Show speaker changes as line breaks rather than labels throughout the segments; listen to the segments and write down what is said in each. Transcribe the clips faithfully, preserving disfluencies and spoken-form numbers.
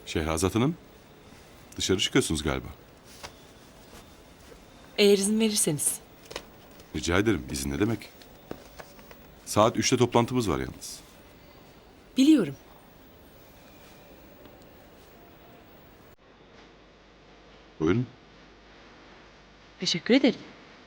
Şehrazat Hanım, dışarı çıkıyorsunuz galiba.
Eğer izin verirseniz.
Rica ederim, izin ne demek? Saat üçte toplantımız var yalnız.
Biliyorum.
Buyurun.
Teşekkür ederim.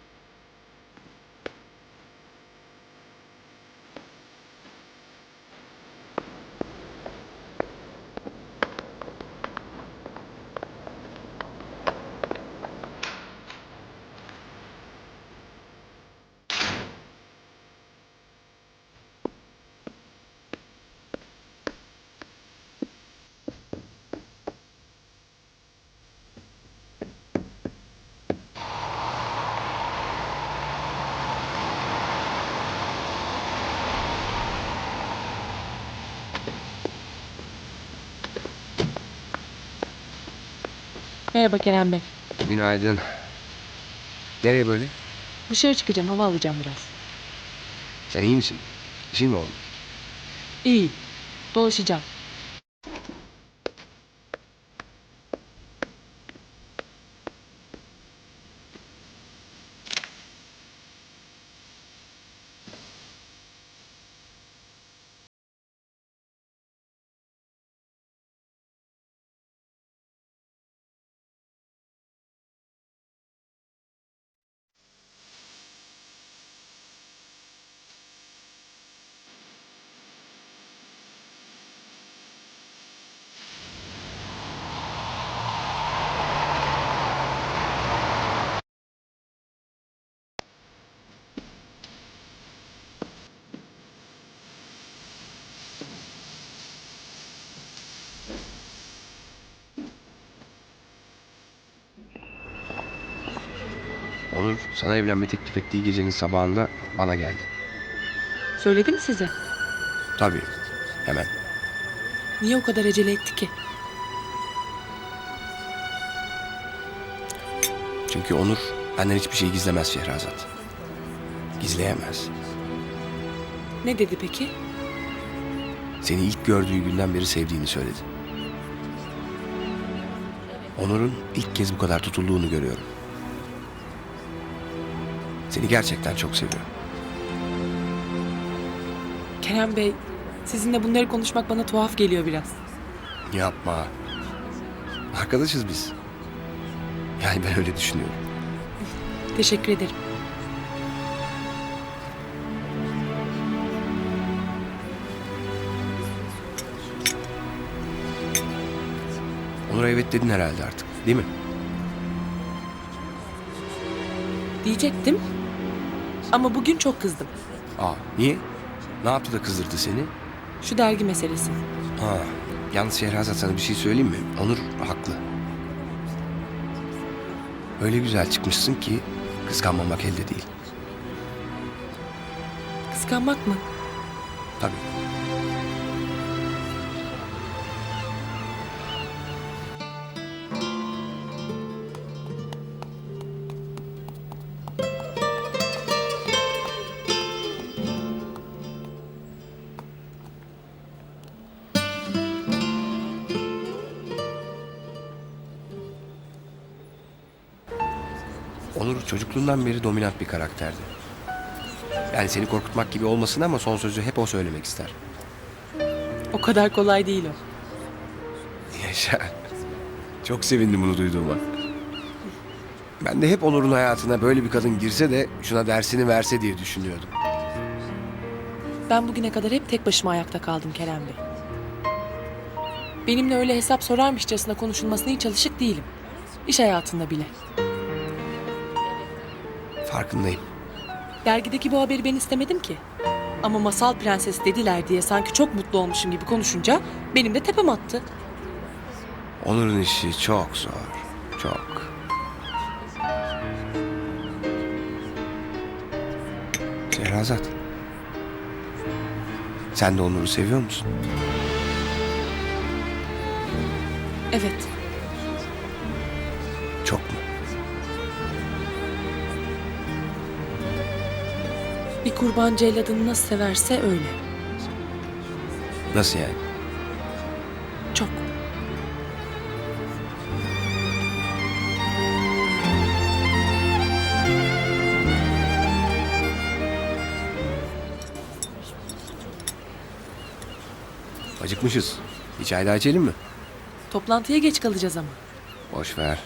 Merhaba Kerem Bey.
Günaydın. Nereye böyle?
Dışarı çıkacağım, hava alacağım biraz.
Sen iyi misin? Bir şey mi oldu?
İyi. Dolaşacağım.
Onur sana evlenme teklif ettiği gecenin sabahında bana geldi.
Söyledi mi size?
Tabii. Hemen.
Niye o kadar acele etti ki?
Çünkü Onur benden hiçbir şey gizlemez Şehrazat. Gizleyemez.
Ne dedi peki?
Seni ilk gördüğü günden beri sevdiğini söyledi. Onur'un ilk kez bu kadar tutulduğunu görüyorum. Seni gerçekten çok seviyor.
Kerem Bey, sizinle bunları konuşmak bana tuhaf geliyor biraz.
Yapma. Arkadaşız biz. Yani ben öyle düşünüyorum.
Teşekkür ederim.
Onur'a evet dedin herhalde artık, değil mi?
Diyecektim. Ama bugün çok kızdım.
Aa, niye? Ne yaptı da kızdırdı seni?
Şu dergi meselesi.
Ha, yalnız Şehrazat sana bir şey söyleyeyim mi? Onur haklı. Öyle güzel çıkmışsın ki kıskanmamak elde değil.
Kıskanmak mı?
Tabii. Onur çocukluğundan beri dominant bir karakterdi. Yani seni korkutmak gibi olmasın ama son sözü hep o söylemek ister.
O kadar kolay değil o.
Yaşa. Çok sevindim bunu duyduğuma. Ben de hep Onur'un hayatına böyle bir kadın girse de şuna dersini verse diye düşünüyordum.
Ben bugüne kadar hep tek başıma ayakta kaldım Kerem Bey. Benimle öyle hesap sorarmışçasına konuşulmasına hiç alışık değilim. İş hayatında bile.
Farkındayım.
Dergideki bu haberi ben istemedim ki. Ama masal prenses dediler diye sanki çok mutlu olmuşum gibi konuşunca benim de tepem attı.
Onur'un işi çok zor. Çok. Şehrazat. Sen de Onur'u seviyor musun?
Evet,
Çok mu?
bir kurban celladını nasıl severse öyle.
Nasıl yani?
Çok.
Acıkmışız. Bir çay daha içelim mi?
Toplantıya geç kalacağız ama.
Boş ver.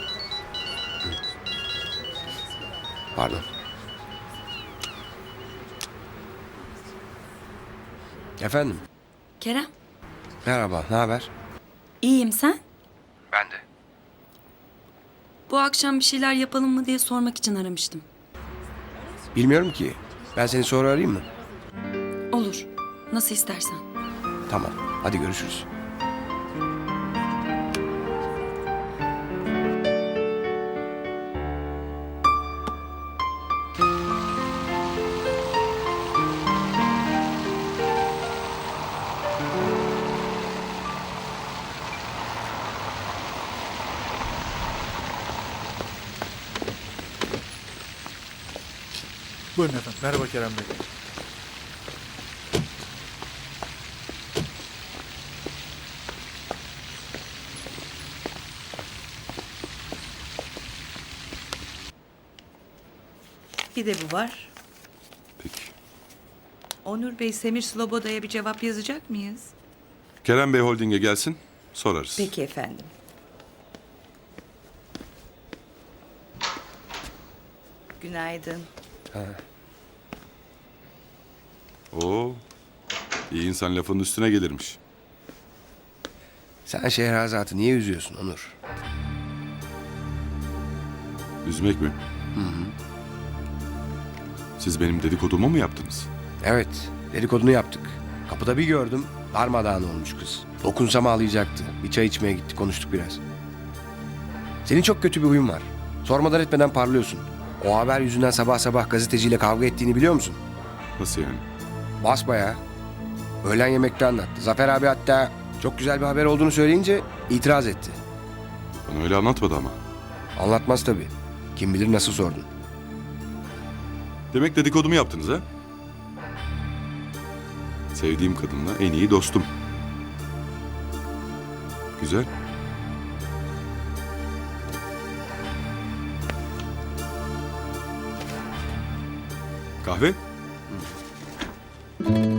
Pardon. Efendim?
Kerem,
Merhaba, ne haber?
iyiyim sen?
Ben de.
Bu akşam bir şeyler yapalım mı diye sormak için aramıştım.
Bilmiyorum ki. Ben seni sonra arayayım mı?
Olur, nasıl istersen.
Tamam, hadi görüşürüz.
Buyurun efendim. Merhaba Kerem Bey.
Bir de bu var.
Peki.
Onur Bey, Semir Sloboda'ya bir cevap yazacak mıyız?
Kerem Bey Holding'e gelsin, sorarız.
Peki efendim. Günaydın.
Oo, iyi insan lafının üstüne gelirmiş.
Sen Şehrazat'ı niye üzüyorsun Onur?
Üzmek mi? Hı hı. Siz benim dedikodumu mu yaptınız?
Evet, dedikodunu yaptık. Kapıda bir gördüm, darmadağın olmuş kız. Dokunsam ağlayacaktı. Bir çay içmeye gittik, konuştuk biraz. Senin çok kötü bir huyun var. Sormadan etmeden parlıyorsun. O haber yüzünden sabah sabah gazeteciyle kavga ettiğini biliyor musun?
Nasıl yani?
Basbayağı. Öğlen yemekte anlattı. Zafer abi hatta çok güzel bir haber olduğunu söyleyince itiraz etti.
Bana öyle anlatmadı ama.
Anlatmaz tabii. Kim bilir nasıl sordun.
Demek dedikodumu yaptınız ha? Sevdiğim kadınla en iyi dostum. Güzel. Kahve?